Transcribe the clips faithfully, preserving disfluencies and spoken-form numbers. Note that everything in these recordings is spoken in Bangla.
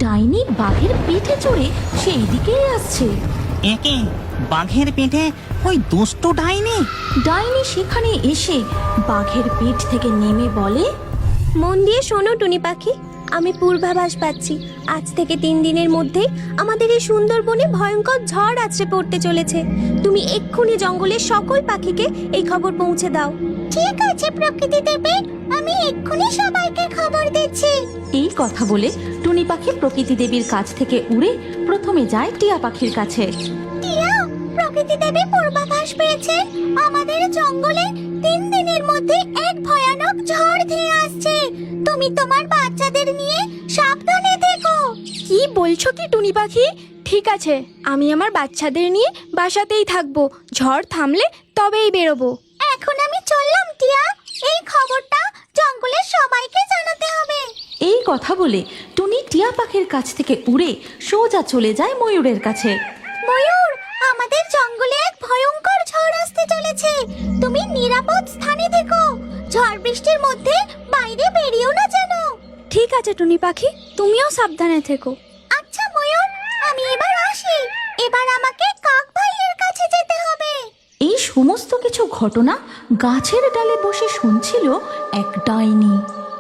ডাইনি বাঘের পিঠে চড়ে সেই দিকেই আসছে। একে বাঘের পিঠে ওই দুষ্ট ডাইনি। ডাইনি সেখানে এসে বাঘের পিঠ থেকে নেমে বলে, মন দিয়ে শোনো টুনি পাখি, আমি পূর্বাভাস পাচ্ছি আজ থেকে তিন দিনের মধ্যেই আমাদের এই সুন্দরবনে ভয়ঙ্কর ঝড় আছড়ে পড়তে চলেছে। তুমি এক্ষুনি জঙ্গলের সকল পাখিকে এই খবর পৌঁছে দাও। ঠিক আছে প্রকৃতি দেবী, আমি এক্ষুনি সবাইকে খবর দিচ্ছি। এই কথা বলে টুনি পাখি প্রকৃতি দেবীর কাছ থেকে উড়ে প্রথমে যায় টিয়া পাখির কাছে। টিয়া, প্রকৃতি দেবী পূর্বাভাস পেয়েছে আমাদের জঙ্গলে তিন দিনের মধ্যে এক ভয়ানক ঝড় ধেয়ে আসছে। তুমি তোমার বাচ্চাদের নিয়ে সাবধানে থেকো। কি বলছো কি টুনি পাখি? ঠিক আছে, আমি আমার বাচ্চাদের নিয়ে বাসাতেই থাকবো। ঝড় থামলে তবেই বেরোবো। এখন আমি চললাম টিয়া, এই খবরটা জঙ্গলের সবাইকে জানাতে হবে। এই কথা বলে টুনি টিয়া পাখির কাছ থেকে উড়ে সোজা চলে যায় ময়ূরের কাছে। ময়ূর, আমাদের জঙ্গলে এক ভয়ঙ্কর ঝড় আসতে চলেছে। তুমি নিরাপদ স্থানে থেকো। ঝড় বৃষ্টির মধ্যে বাইরে বেরিয়েও না যেন। ঠিক আছে টুনি পাখি, তুমিও সাবধানে থেকো। আচ্ছা ময়ূর, আমি এবার আসি। এবার আমাকে কাক ভাইয়ের কাছে যেতে হবে। এই সমস্ত কিছু ঘটনা গাছের ডালে বসে শুনছিল এক ডাইনি।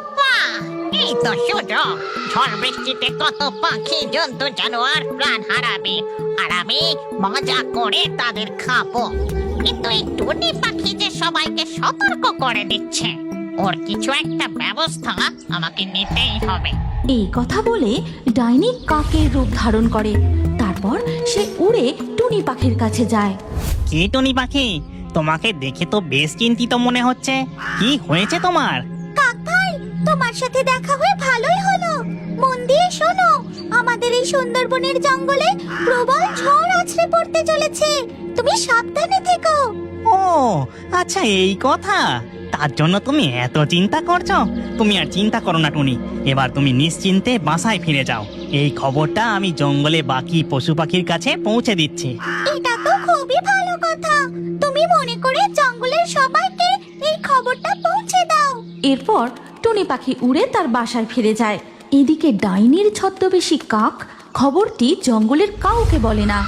এই তো সুযোগ, ঝড় বৃষ্টিতে কত পাখি জন্তু জানোয়ার প্রাণ হারাবে, আর আমি মজা করে তাদের খাবো। কিন্তু এই টুনি পাখি যে সবাইকে সতর্ক করে দিচ্ছে, ওর কিছু একটা ব্যবস্থা আমাকে নিতেই হবে। এই কথা বলে ডাইনি কাকের রূপ ধারণ করে। তারপর সে উড়ে টুনি পাখির কাছে যায়। কি টুনি পাখি, তোমাকে দেখে তো বেশ চিন্তিত মনে হচ্ছে। কি হয়েছে তোমার? কাক ভাই, তোমার সাথে দেখা হয়ে ভালোই হলো। মন দিয়ে শোনো, আমাদের এই সুন্দরবনের জঙ্গলে প্রবল ঝড় আছড়ে পড়তে চলেছে। তুমি সাবধানে থেকো। ও আচ্ছা, এই কথা। তার জন্য তুমি এত চিন্তা করছো? তুমি আর চিন্তা করো না টুনি, এবার তুমি নিশ্চিন্তে বাসায় ফিরে যাও। এই খবরটা আমি জঙ্গলে বাকি পশু পাখির কাছে পৌঁছে দিচ্ছি। এটা তো খুবই ভালো কথা। তুমি মনে করে জঙ্গলের সবাইকে এই খবরটা পৌঁছে দাও। এরপর টুনি পাখি উড়ে তার বাসায় ফিরে যায়। এদিকে ডাইনির ছদ্মবেশী কাক খবরটি জঙ্গলের কাউকে বলে না।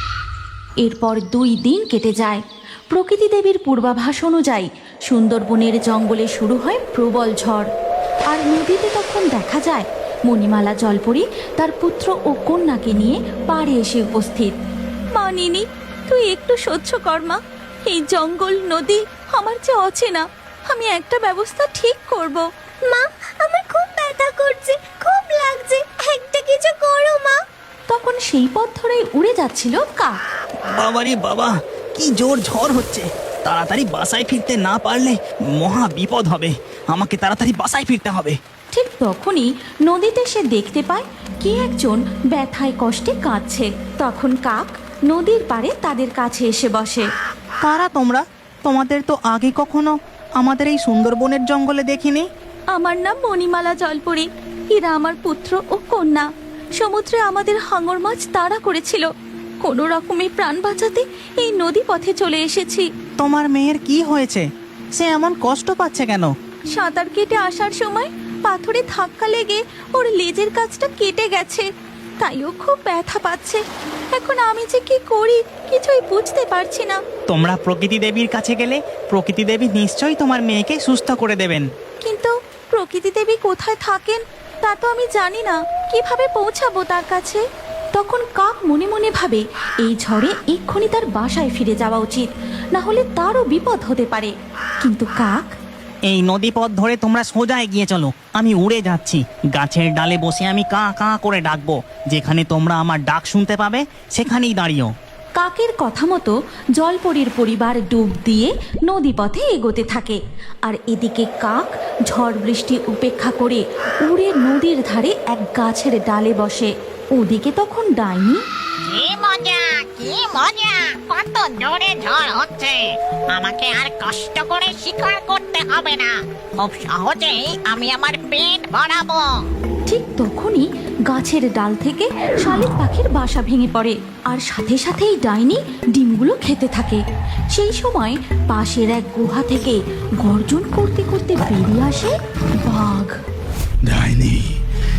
এরপর দুই দিন কেটে যায়। প্রকৃতি দেবীর পূর্বাভাস অনুযায়ী সুন্দরবনের জঙ্গলে শুরু হয় প্রবল ঝড়। আর নদীতে তখন দেখা যায় মণিমালা জলপরি তার পুত্র ও কন্যাকে নিয়ে পাড়ে এসে উপস্থিত। মা নিনি, তুই একটু সহ্য কর মা। এই জঙ্গল নদী আমার যে অচেনা, আমি একটা ব্যবস্থা ঠিক করব। মা, আমার খুব ব্যথা করছে, খুব লাগছে, একটা কিছু করো মা। তখন সেই পথ ধরেই উড়ে যাচ্ছিল কাক। বাবারে বাবা, কি জোর ঝড় হচ্ছে! তাড়াতাড়ি বাসায় ফিরতে না পারলে মহা বিপদ হবে। আমাকে তাড়াতাড়ি বাসায় ফিরতে হবে। ঠিক তখনই নদীতে সে দেখতে পায় কে একজন ব্যথায় কষ্টে কাঁদছে। তখন কাক নদীর পাড়ে তাদের কাছে এসে বসে। কারা তোমরা? তোমাদের তো আগে কখনো আমাদের এই সুন্দরবনের জঙ্গলে দেখিনি। আমার নাম মণিমালা জলপরি। এরা আমার পুত্র ও কন্যা। সমুদ্রে আমাদের হাঙর মাছ তাড়া করেছিল। কোনো রকমে প্রাণ বাঁচাতে এই নদী পথে চলে এসেছি। তোমার মেয়ের কি হয়েছে? সে এমন কষ্ট পাচ্ছে কেন? সাঁতার কেটে আসার সময় পাথরে ধাক্কা লেগে ওর লেজের কাছটা কেটে গেছে, তাই ও খুব ব্যথা পাচ্ছে। এখন আমি যে কি করি কিছুই বুঝতে পারছি না। তোমরা প্রকৃতি দেবীর কাছে গেলে প্রকৃতি দেবী নিশ্চয়ই তোমার মেয়েকে সুস্থ করে দেবেন। কিন্তু প্রকৃতি দেবী কোথায় থাকেন তা তো আমি জানি না। কিভাবে পৌঁছাবো তার কাছে? তখন কাক মনে মনে ভাবে এই ঝড়ে এক্ষুনি তার বাসায় ফিরে যাওয়া উচিত, না হলে তারও বিপদ হতে পারে। কিন্তু কাক, এই নদী পথ ধরে তোমরা সোজা এগিয়ে চলো, আমি উড়ে যাচ্ছি। গাছের ডালে বসে আমি কা কা করে ডাকবো। যেখানে তোমরা আমার ডাক শুনতে পাবে সেখানেই দাঁড়িও। কাকের কথা মতো জলপরীর পরিবার ডুব দিয়ে নদী পথে এগোতে থাকে। আর এদিকে কাক ঝড় বৃষ্টি উপেক্ষা করে উড়ে নদীর ধারে এক গাছের ডালে বসে। ওদিকে তখন ডাইনি, কি মজা, কি মজা! কত জোরে ঝড় হচ্ছে! আমাকে আর কষ্ট করে শিকার করতে হবে না, খুব সহজেই আমি আমার পেট ভরাবো। ঠিক তখনই গাছের ডাল থেকে শালিক পাখির বাসা ভেঙে পড়ে। আর সাথে সাথেই ডাইনি ডিমগুলো খেতে থাকে। সেই সময় পাশের এক গুহা থেকে গর্জন করতে করতে বেরিয়ে আসে বাঘ। ডাইনি,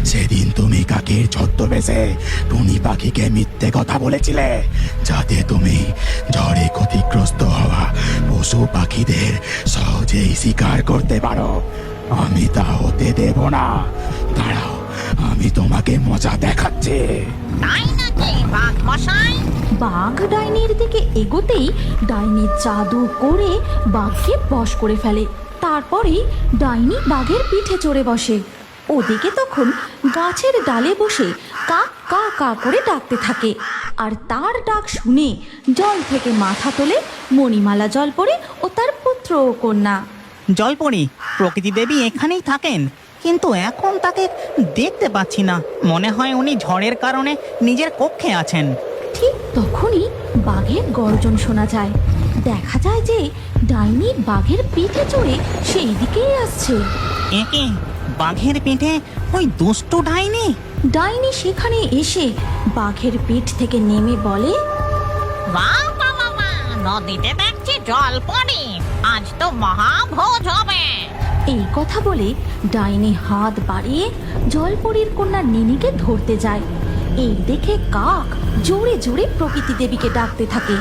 সেদিন তুমি কাকের ছদ্মবেশে টুনি পাখিকে মিথ্যে কথা বলেছিলে, যাতে তুমি ঝড়ে ক্ষতিগ্রস্ত হওয়া পশু পাখিদের সহজেই শিকার করতে পারো। আমি তা হতে দেব না। দাঁড়াও, আমি তোমাকে মজা দেখাচ্ছি। তাই নাকি বাঘ মশাই? বাঘ ডাইনির দিকে এগোতেই ডাইনি জাদু করে বাঘকে বশ করে ফেলে। তারপরেই ডাইনি বাঘের পিঠে চড়ে বসে। ওদিকে তখন গাছের ডালে বসে কাক কা কা করে ডাকতে থাকে। আর তার ডাক শুনে জল থেকে মাথা তোলে মণিমালা জলপরি ও তার পুত্র ও কন্যা। জলপরি, প্রকৃতি দেবী এখানেই থাকেন, কিন্তু এখন তাকে দেখতে পাচ্ছি না। মনে হয় উনি ঝড়ের কারণে নিজের কক্ষে আছেন। ঠিক তখনই বাঘের গর্জন শোনা যায়। দেখা যায় যে ডাইনি বাঘের পিঠে চড়ে সেই দিকেই আসছে। একে বাঘের পিঠে ওই দুষ্টু ডাইনি। ডাইনি সেখানে এসে বাঘের পিঠ থেকে নেমে বলে, বাহ বাবা বা, নদীতে দেখছি জল পড়ে, আজ তো মহাভোজ হবে। এই কথা বলে ডাইনি হাত বাড়িয়ে জলপরীর কন্যা নিনিকে ধরতে যায়। এই দেখে কাক জোরে জোরে প্রকৃতি দেবীকে ডাকতে থাকে।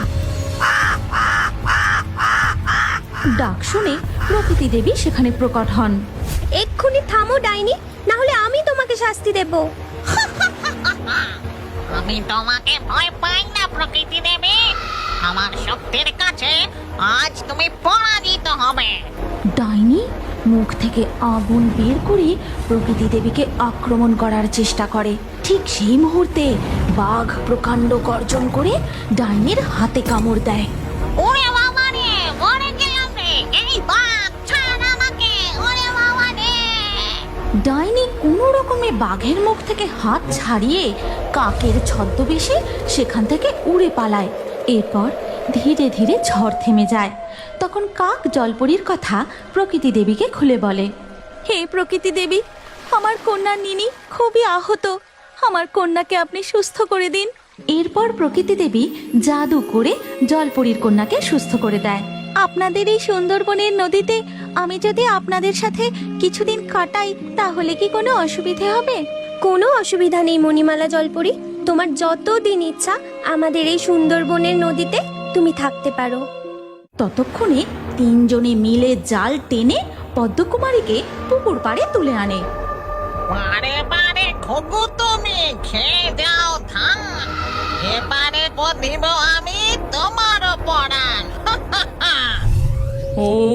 ডাক শুনে প্রকৃতি দেবী সেখানে প্রকট হন। এক্ষুনি থামো ডাইনি, না হলে আমি তোমাকে শাস্তি দেব। আমি তোমাকে ভয় পাই না প্রকৃতি দেবী, আমার শক্তির কাছে আজ তুমি পরাজিত হবে। ডাইনি মুখ থেকে আগুন বের করে প্রকৃতি দেবীকে আক্রমণ করার চেষ্টা করে। ঠিক সেই মুহূর্তে বাঘ প্রকাণ্ড গর্জন করে ডাইনির হাতে কামড় দেয়। ওরে বাবা রে, মরে গেলাম রে, এই বাঘ ছাড় আমাকে, ওরে বাবা রে। ডাইনি কোনো রকমে বাঘের মুখ থেকে হাত ছাড়িয়ে কাকের ছদ্মবেশে সেখান থেকে উড়ে পালায়। এরপর ধীরে ধীরে ঝড় থেমে যায়। তখন কাক জলপরীর কথা প্রকৃতি দেবীকে খুলে বলে, হে প্রকৃতি দেবী, আমার কন্যা নিনি খুবই আহত, আমার কন্যাকে আপনি সুস্থ করে দিন। এরপর প্রকৃতি দেবী জাদু করে জলপরীর কন্যাকে সুস্থ করে দেয়। আপনাদের এই সুন্দরবনের নদীতে আমি যদি আপনাদের সাথে কিছুদিন কাটাই তাহলে কি কোনো অসুবিধে হবে? কোনো অসুবিধা নেই মণিমালা জলপরি, তোমার যত দিন ইচ্ছা আমাদের এই সুন্দরবনের নদীতে তুমি থাকতে পারো। ততক্ষণে তিনজনে মিলে জাল টেনে পদ্মকুমারীকে পুকুর পাড়ে তুলে আনে। বারে বারে ঘুঘু তুমি খেয়ে যাও ধান, এবারে দিব আমি তোমার পরাণ।